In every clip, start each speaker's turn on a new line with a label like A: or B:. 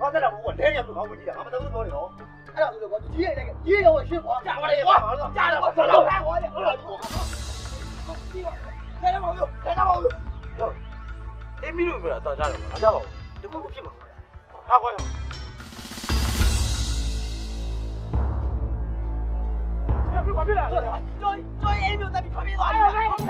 A: ဘာသက်တာမဟုတ်ဘူးလဲရလို့ကောင်းဝင်ကြည့်တာငါမတော်ဘူးပြောနေတော့အဲ့ဒါဆိုတော့ကြီးရိုက်လိုက်ကြီးရောရှင်းပါကြာပါလေကွာကြာတယ်ကွာတော့လာကွာလေဟုတ်လားဒီထဲမှာလို့ထဲမှာလို့အေးမီလို့ပြောတာတော့ကြားတယ်မကြားပါဘူးတခုခုဖြစ်မှာဟာကွာဘာဖြစ်လဲကျော်အေးမျိုးတက်ပြီးထွက်ပြေးသွားတယ်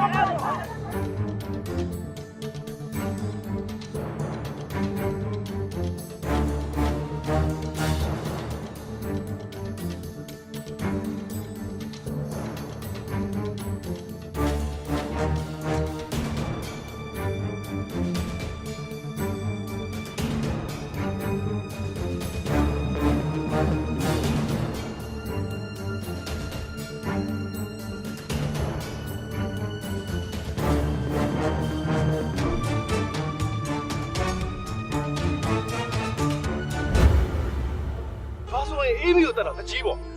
A: အေးမီကိုတက်တော့တကြီးပေါ့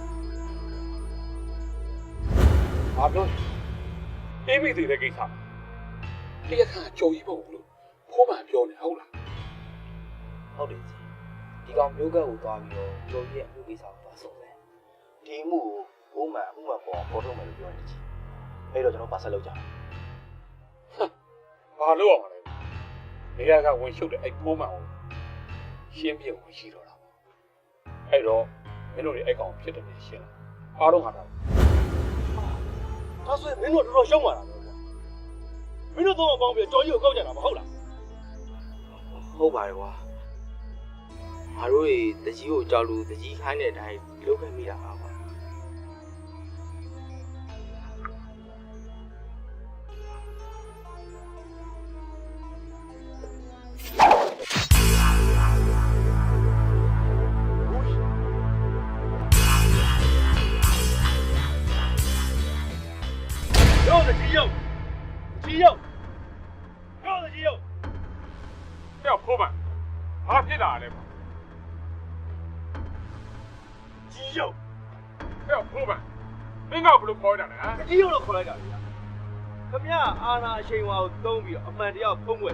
A: ဘာပြောအေးမီတည်တဲ့ကိစ္စတရားခံကြုံကြီးပေါ့လို့ဖိုးမှန်ပြောနေဟုတ်လားဟုတ်တယ်ဒီကောင်မျိုးကတ်ကိုသွားပြီးတော့ကြုံကြီးရဲ့အမှုကိစ္စကိုသွားဆုံးတယ်ဒီအမှုကိုဖိုးမှန်ပေါ်ထုတ်မယ်လို့ပြောနေချင်အဲ့တော့ကျွန်တော်ပါဆက်လုပ်ကြတယ်ဘာလို့အောင်လဲနေရာကဝင်ရှုပ်တဲ့အဲ့ဖိုးမှန်ကိုရှင်းပြဝင်ရှိတော့တာအဲ့တော့မင်းတို့တွေအဲ့ကောင်ဖြစ်တယ်ရှင်းလားအားလုံးဟာတာဒါဆိုရင်မင်းတို့တော်တော်ရှုံးပါလားကွာမင်းတို့တော့ပေါင်းပြီးကြော်ကြီးကိုကောက်ကြတာမဟုတ်လားဟုတ်ပါတယ်ကွာငါတို့တွေတကြီးကိုကြောက်လို့တကြီးခိုင်းတဲ့အတိုင်းလုပ်ခဲ့မိတာပါကွာကြီးရုပ်ပြောတယ်ကြီးရုပ်ပြောဖိုးမဘာဖြစ်လာလဲကြီးရုပ်ပြောဖိုးမမင်းကဘယ်လိုခေါ်ရတာလဲကြီးရုပ်လို့ခေါ်လိုက်တာဗျာခမရအာနာအချိန်ဝါကိုသုံးပြီးတော့အမှန်တရားဖုံးွယ်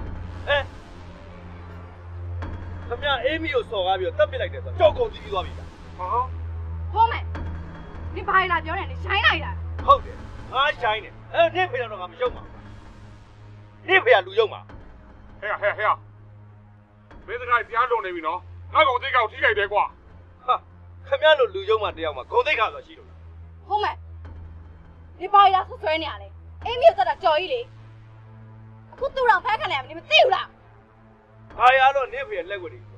A: ခမရအေးမီကိုစော်ကားပြီးတော့တပ်ပစ်လိုက်တယ်ဆိုတော့ကြောက်ကုန်ကြီးသွားပြီဗျာဟာ
B: ဖိုးမ你ဘာလာပြောနေလဲရှိုင်းလိုက်တာ
A: ဟုတ်တယ်ငါရှိုင်းတယ်နင့်ဖေတော့ငါမရှုံးပါနင့်ဖေကလူယုံမှာဟဲ့မင်းစကားကြားလွန်နေပြီနော်ငါကောင်သိကောက်ထိခိုက်တယ်ကွာဟာခမရလိုလူယုံမှာတယောက်မှာဂုံသိက္ခာဆိုရှိလို့လား
B: ဟုတ်မယ်ဒီဘာလာဆွဆွဲနေရလဲအေးမြို့သက်တာကြော်ကြီးလေအခုသူ့တော်ဖက်ခံလိုက်ရမင်းမသိဘူးလား
A: ဘာရလို့နင့်ဖေရဲ့လက်ွက်တွေ